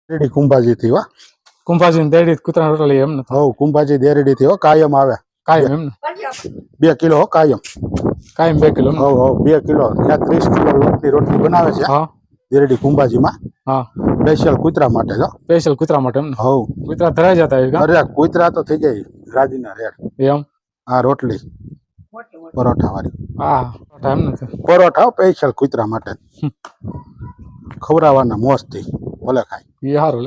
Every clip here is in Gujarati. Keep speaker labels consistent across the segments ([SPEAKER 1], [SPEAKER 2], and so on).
[SPEAKER 1] દેરડી કુંભાજી થી હો.
[SPEAKER 2] કુંભાજી દેડી કૂતરા રોટલી એમ ને
[SPEAKER 1] હવ કુંભાજી દેરડી થી હો કાયમ આવે.
[SPEAKER 2] કાયમ એમ ને
[SPEAKER 1] 2 કિલો હો કાયમ.
[SPEAKER 2] કાયમ 2 કિલો
[SPEAKER 1] હવ 2 કિલો ત્યાં 30 કિલો લોટની રોટલી બનાવે છે.
[SPEAKER 2] હા
[SPEAKER 1] દેરડી કુંભાજીમાં
[SPEAKER 2] હા
[SPEAKER 1] સ્પેશિયલ કૂતરા માટે જો.
[SPEAKER 2] સ્પેશિયલ કૂતરા માટે એમ ને
[SPEAKER 1] હવ
[SPEAKER 2] કૂતરા ધરાઈ જતા હોય કા
[SPEAKER 1] અરે કૂતરા તો થઈ જાય રાજીના રેડ.
[SPEAKER 2] એમ
[SPEAKER 1] આ રોટલી પરોઠા વાળી
[SPEAKER 2] હા એમ ને
[SPEAKER 1] પરોઠા સ્પેશિયલ કૂતરા માટે ખવડાવવાના મોજથી ભલે ખાય.
[SPEAKER 2] એ સારું લે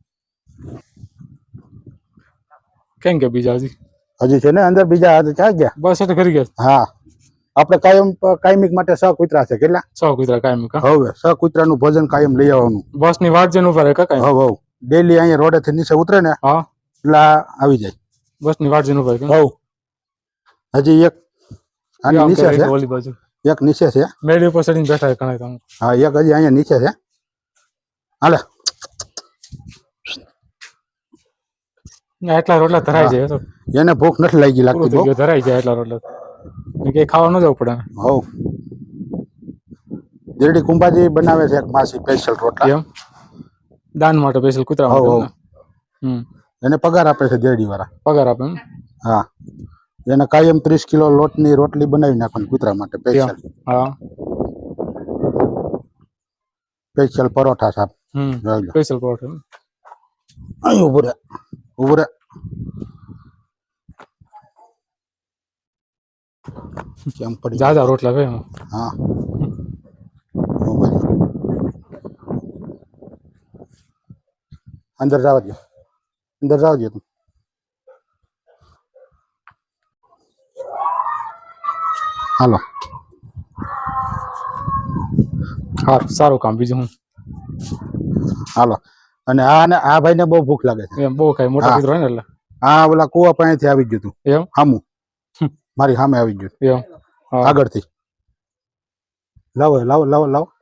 [SPEAKER 2] કેમ કે બીજા
[SPEAKER 1] હજી છે ને અંદર બીજા હાથ ક્યાં ગયા?
[SPEAKER 2] બસ એટલે કરી ગયા
[SPEAKER 1] હા આપણે કાયમિક માટે 6 કૂતરા છે. કેટલા?
[SPEAKER 2] 6 કૂતરા કાયમ કા
[SPEAKER 1] હવે 6 કૂતરાનું ભોજન કાયમ લઈ આવવાનું.
[SPEAKER 2] બસ ની વાટ જઈને ઉભા રહે કાકા
[SPEAKER 1] હવ ડેલી અહીંયા રોડે થી નીચે ઉતરે ને
[SPEAKER 2] હા
[SPEAKER 1] એટલે આવી જાય.
[SPEAKER 2] બસ ની વાટ જઈને ઉભા રહે
[SPEAKER 1] હવ હજી એક આની નીચે છે.
[SPEAKER 2] ઓલી બાજુ
[SPEAKER 1] એક નીચે છે.
[SPEAKER 2] મેડી ઉપર ચડીને બેઠા ઘણા કામ
[SPEAKER 1] હા એક હજી અહીંયા નીચે છે. હાલે
[SPEAKER 2] એટલા રોટલા ધરાઈ જાય તો
[SPEAKER 1] એને ભૂખ નથી લાગી લાગતી બહુ.
[SPEAKER 2] ધરાઈ જાય એટલા રોટલા કે ખાવા ન જવું પડે.
[SPEAKER 1] હવ દેરડી કુંભાજી બનાવે છે એક માસી સ્પેશિયલ રોટલા
[SPEAKER 2] એમ દાન માટે સ્પેશિયલ કૂતરા માટે
[SPEAKER 1] એને પગાર આપે છે દેરડી વાળા.
[SPEAKER 2] પગાર આપે એમ
[SPEAKER 1] હા એને કાયમ 30 કિલો લોટની રોટલી બનાવી નાખવાની કૂતરા માટે સ્પેશિયલ.
[SPEAKER 2] હા
[SPEAKER 1] સ્પેશિયલ પરોઠા સાહેબ.
[SPEAKER 2] સ્પેશિયલ પરોઠા
[SPEAKER 1] અહીં ઉભું રે કેમ પડી
[SPEAKER 2] જાજા રોટલા ભાઈ
[SPEAKER 1] હા અંદર જવા દો તું. હાલો
[SPEAKER 2] હા સારું કામ બીજું હું
[SPEAKER 1] હાલો. અને આ ભાઈને બહુ ભૂખ લાગે છે.
[SPEAKER 2] એમ બહુ કઈ મોટા કૂતરો ને એટલે
[SPEAKER 1] હા ઓલા કુવા પાસેથી આવી ગયું તું
[SPEAKER 2] એમ
[SPEAKER 1] સામું મારી સામે આવી ગયું
[SPEAKER 2] એમ
[SPEAKER 1] આગળથી. લાવો